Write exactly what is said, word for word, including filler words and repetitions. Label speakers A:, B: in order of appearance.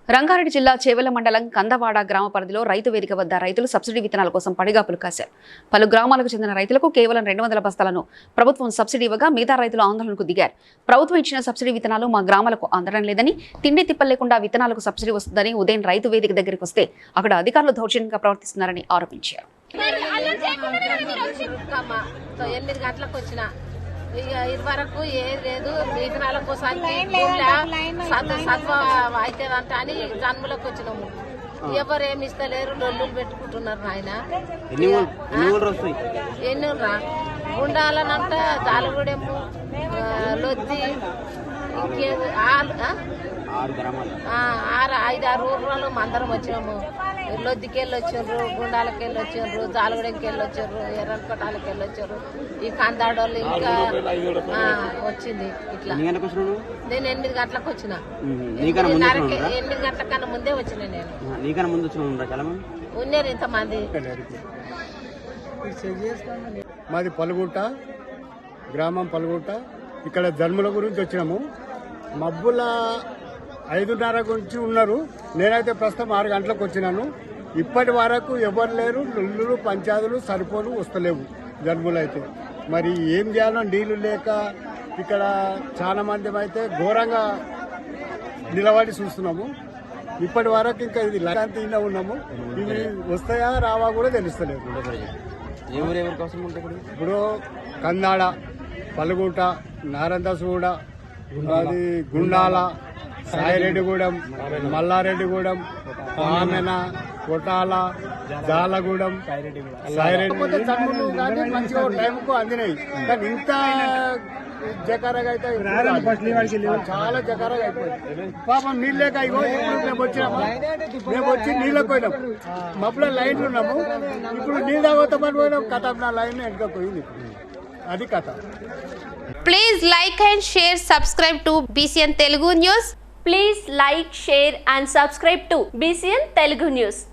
A: రంగారెడ్డి జిల్లా చేవెళ్ల మండలం కందవాడ గ్రామ పరిధిలో రైతు వేదిక వద్ద రైతులు సబ్సిడీ విత్తనాల కోసం పడిగాపులు కాశారు. పలు గ్రామాలకు చెందిన రైతులకు కేవలం రెండు వందల బస్తాలను ప్రభుత్వం సబ్సిడీ ఇవ్వగా మిగతా రైతులు ఆందోళనకు దిగారు. ప్రభుత్వం ఇచ్చిన సబ్సిడీ విత్తనాలు మా గ్రామాలకు అందడం లేదని, తిండి తిప్పలు లేకుండా విత్తనాలకు సబ్సిడీ వస్తుందని ఉదయం రైతు వేదిక దగ్గరికి వస్తే అక్కడ అధికారులు దౌర్జన్యంగా ప్రవర్తిస్తున్నారని ఆరోపించారు.
B: ఎనిమిది గంటలకు వచ్చిన ఇక ఇది వరకు ఏది లేదు, విత్తనాల కోసానికి సత్వ అవుతుందంట అని జన్మలకు వచ్చినాము. ఎవరు ఏమి ఇస్తలేరు, లొల్లులు పెట్టుకుంటున్నారు. ఆయన ఎన్ని రా ఉండాలనంట జాలగూడెము, లొద్ది, ఇంకే ఆరు ఐదు ఆరు ఊర్లలో అందరం వచ్చినాము. లొద్దికెళ్ళి వచ్చిండ్రు, గుండాలకి వెళ్ళి వచ్చిండ్రు, జాలగూడెంకి వెళ్ళి వచ్చిండ్రు, ఎర్రకోటాలకి వెళ్ళి వచ్చారు. ఈ కందాడోళ్ళు ఇంకా వచ్చింది. ఇట్లా నేను ఎనిమిది గంటలకు వచ్చిన, ఎనిమిది గంటల కన్నా ముందే వచ్చిన. నేను ఉన్నారు ఇంతమంది.
C: మాది పలుగుట్ట గ్రామం, పలుగుట్ట. ఇక్కడ జన్ముల గురించి వచ్చినాము. మబ్బుల ఐదున్నర గురించి ఉన్నారు. నేనైతే ప్రస్తుతం ఆరు గంటలకు వచ్చినాను. ఇప్పటి వరకు ఎవరు లేరు. ఇల్లులు పంచాయతీలు సరిపోను, వస్తలేవు జన్ములు అయితే. మరి ఏం చేయాలో నీళ్లు లేక ఇక్కడ చాలా మంది అయితే ఘోరంగా నిలబడి చూస్తున్నాము. ఇప్పటి వరకు ఇంకా ఇది లగాంతిలో ఉన్నాము. ఇవి వస్తాయా రావా కూడా తెలుస్తలేదు. ఇప్పుడు కందాడ, పలుగుట, నారందసూడ, అది గుండాల, సాయిరెడ్డిగూడెం, మల్లారెడ్డిగూడెం, ఆమెన, కొటాల, జాలగూడెం, సాయిరెడ్డి మంచిగా టైంకు అందినాయి. కానీ ఇంత జకారగా అయితే చాలా జకారగా అయిపోయింది. పాపం నీళ్ళు లేక ఇగో మేము వచ్చినాము. మేము వచ్చి నీళ్ళకి పోయినాం. మబ్బులో లైన్లు ఉన్నాము. ఇప్పుడు నీళ్ళు తాగొద్దామని పోయినాం. కథ నా లైన్ వెనుక పోయింది. అది కథ.
D: Please like and share, subscribe to B C N Telugu News.
E: Please like, share and subscribe to B C N Telugu News.